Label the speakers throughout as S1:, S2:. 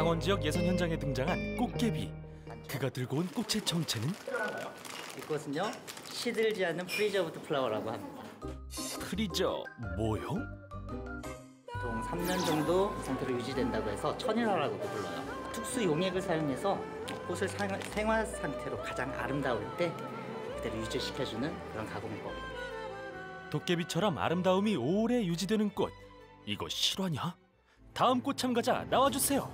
S1: 강원 지역 예선 현장에 등장한 꽃게비. 그가 들고 온 꽃의 정체는?
S2: 이것은요, 시들지 않는 프리저브드 플라워라고 합니다.
S1: 프리저 뭐요?
S2: 보통 3년 정도 이 상태로 유지된다고 해서 천일화라고도 불러요. 특수 용액을 사용해서 꽃을 생화 상태로 가장 아름다울 때 그대로 유지시켜주는 그런 가공법입니다.
S1: 도깨비처럼 아름다움이 오래 유지되는 꽃. 이거 실화냐? 다음 꽃 참가자 나와주세요.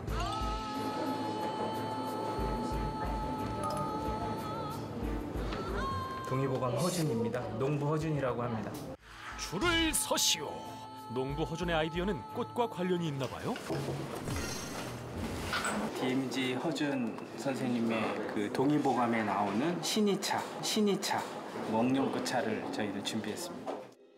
S3: 동의보감 허준입니다. 농부 허준이라고 합니다.
S1: 줄을 서시오. 농부 허준의 아이디어는 꽃과 관련이 있나 봐요?
S3: DMZ 허준 선생님의 그 동의보감에 나오는 신이차 목련꽃차를 저희도 준비했습니다.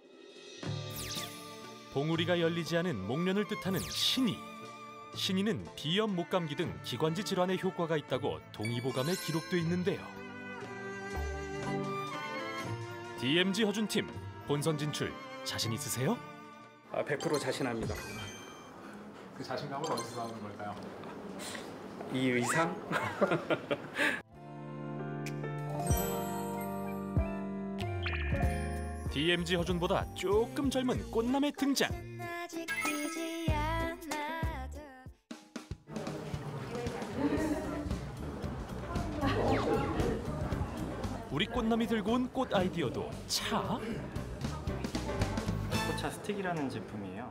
S1: 봉우리가 열리지 않은 목련을 뜻하는 신이. 신이는 비염, 목감기 등 기관지 질환에 효과가 있다고 동의보감에 기록돼 있는데요. DMZ 허준팀, 본선 진출 자신 있으세요?
S3: 100% 자신합니다.
S4: 그 자신감은 어디서 나오는 걸까요?
S3: 이 의상?
S1: DMZ 허준보다 조금 젊은 꽃남의 등장. 우리 꽃남이 들고 온 꽃 아이디어도 차?
S5: 꽃차 스틱이라는 제품이에요.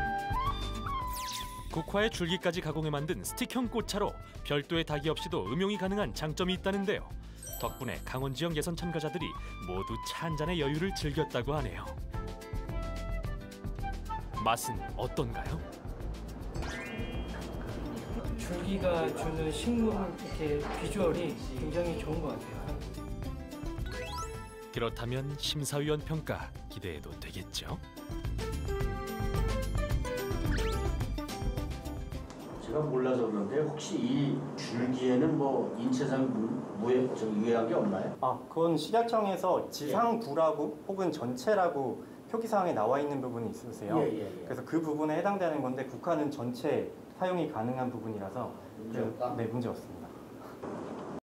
S1: 국화의 줄기까지 가공해 만든 스틱형 꽃차로 별도의 닭이 없이도 음용이 가능한 장점이 있다는데요. 덕분에 강원 지역 예선 참가자들이 모두 차 한 잔의 여유를 즐겼다고 하네요. 맛은 어떤가요?
S6: 줄기가 주는 식물 이렇게 비주얼이 굉장히 좋은 것 같아요.
S1: 그렇다면 심사위원 평가 기대해도 되겠죠?
S7: 제가 몰라서 그런데 혹시 이 줄기에는 뭐 인체상 유해한 게 없나요?
S5: 그건 식약청에서 지상부라고 혹은 전체라고 표기사항에 나와 있는 부분이 있으세요. 그래서 그 부분에 해당되는 건데 국화는 전체 사용이 가능한 부분이라서
S7: 문제 없다?
S5: 네, 문제 없습니다.